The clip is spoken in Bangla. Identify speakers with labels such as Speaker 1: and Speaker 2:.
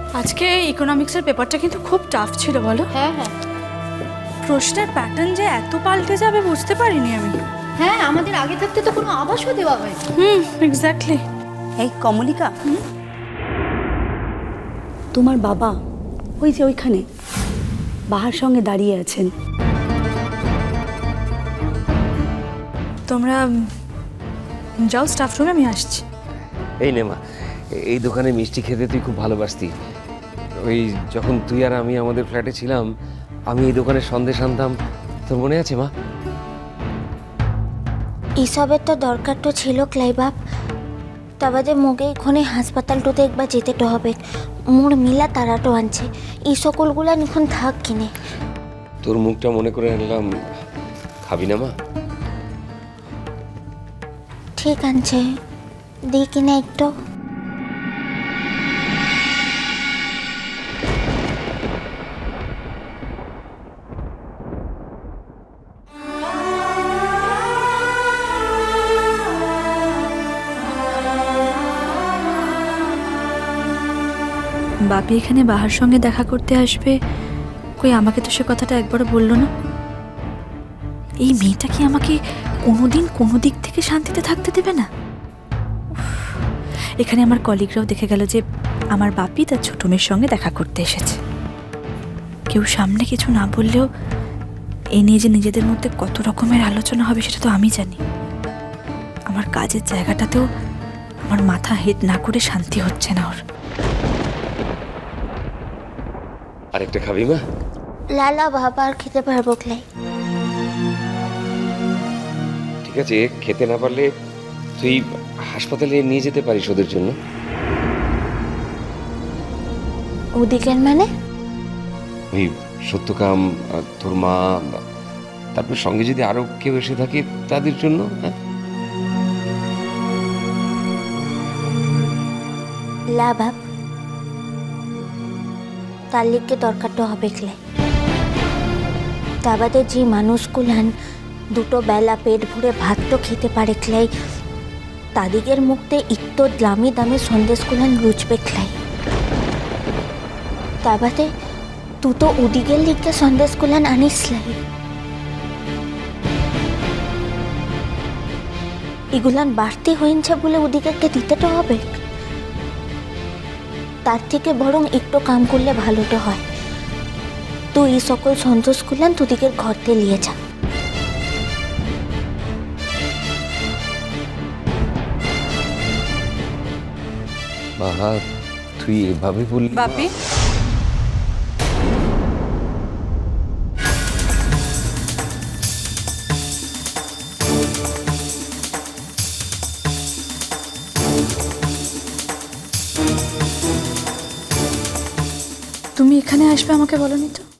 Speaker 1: আজকে ইকোনমিক্সের পেপারটা কিন্তু খুব টাফ ছিল বলো।
Speaker 2: হ্যাঁ হ্যাঁ
Speaker 1: প্রশ্নের প্যাটার্ন যে এত পাল্টে যাবে বুঝতে পারিনি আমি।
Speaker 2: হ্যাঁ, আমাদের আগে থাকতে তো কোনো আভাসও দেওয়া হয়।
Speaker 1: এক্স্যাক্টলি।
Speaker 3: এই কমলিকা, তোমার বাবা ওই যে ওইখানে বাহার সঙ্গে দাঁড়িয়ে আছেন।
Speaker 1: তোমরা যাও স্টাফ রুমে, আমি আসছি।
Speaker 4: এই নে মা, এই দোকানে মিষ্টি খেতে তুই খুব ভালোবাসতি। ওই যখন তুই আর আমি আমাদের ফ্ল্যাটে ছিলাম, আমি এই দোকানে সন্দেশ আনতাম, তোর মনে আছে মা?
Speaker 5: এসবের তো দরকার তো ছিল ক্লাই বাপ। তা বাদে মোকে এখানে হাসপাতালটোতে একবার যেতে তো হবে। মোর মিলা তারাটো আনছে, এই সকলগুলা এখন থাক কিনে।
Speaker 4: তোর মুখটা মনে করে আনলাম, খাবি না মা?
Speaker 5: ঠিক আছে, দিই কিনে একটু।
Speaker 1: বাপি এখানে বাহার সঙ্গে দেখা করতে আসবে, কই আমাকে তো সে কথাটা একবারও বললো না। এই মেয়েটা কি আমাকে কোনোদিন কোনো দিক থেকে শান্তিতে থাকতে দেবে না? উফ, এখানে আমার কলিগরাও দেখে গেল যে আমার বাপি তার ছোট মেয়ের সঙ্গে দেখা করতে এসেছে। কেউ সামনে কিছু না বললেও এ নিয়ে যে নিজেদের মধ্যে কত রকমের আলোচনা হবে সেটা তো আমি জানি। আমার কাজের জায়গাটাতেও আমার মাথা হেড না করে শান্তি হচ্ছে না ওর।
Speaker 4: আরেকটা খাবি মা?
Speaker 5: লালা বাবা আর খেতে পারবো ক্লাই।
Speaker 4: ঠিক আছে, খেতে না পারলে তুই হাসপাতালে নিয়ে যেতে পারিস ওদের জন্য।
Speaker 5: ওদিকের মানে?
Speaker 4: ওই সত্যকাম, তোর মা, তারপর সঙ্গে যদি আরো কেউ এসে থাকে তাদের জন্য। হ্যাঁ,
Speaker 5: লা বাপ, তার লিখকে দরকারটা হবে ক্লাই। তা বাদে যে মানুষগুলান দুটো বেলা পেট ভরে ভাত তো খেতে পারে ক্লাই, তাদিগের মুখতে একটু দামি দামি সন্দেশগুলান রুচবে ক্লাই। তা বাদে তুই তো ওদিকের লিখকে সন্দেশগুলান আনিস লাই। এগুলান বাড়তি হয়েছে বলে ওদিকে দিতে তো হবে। তার থেকে বরং একটু কাম করলে ভালোটা হয়। তুই এই সকল সন্তোষগুলান তোদিকের ঘরতে নিয়ে যা।
Speaker 4: বাবা, তুই এভাবে বললি?
Speaker 1: বাপি, তুমি এখানে আসবে আমাকে বলনি তো?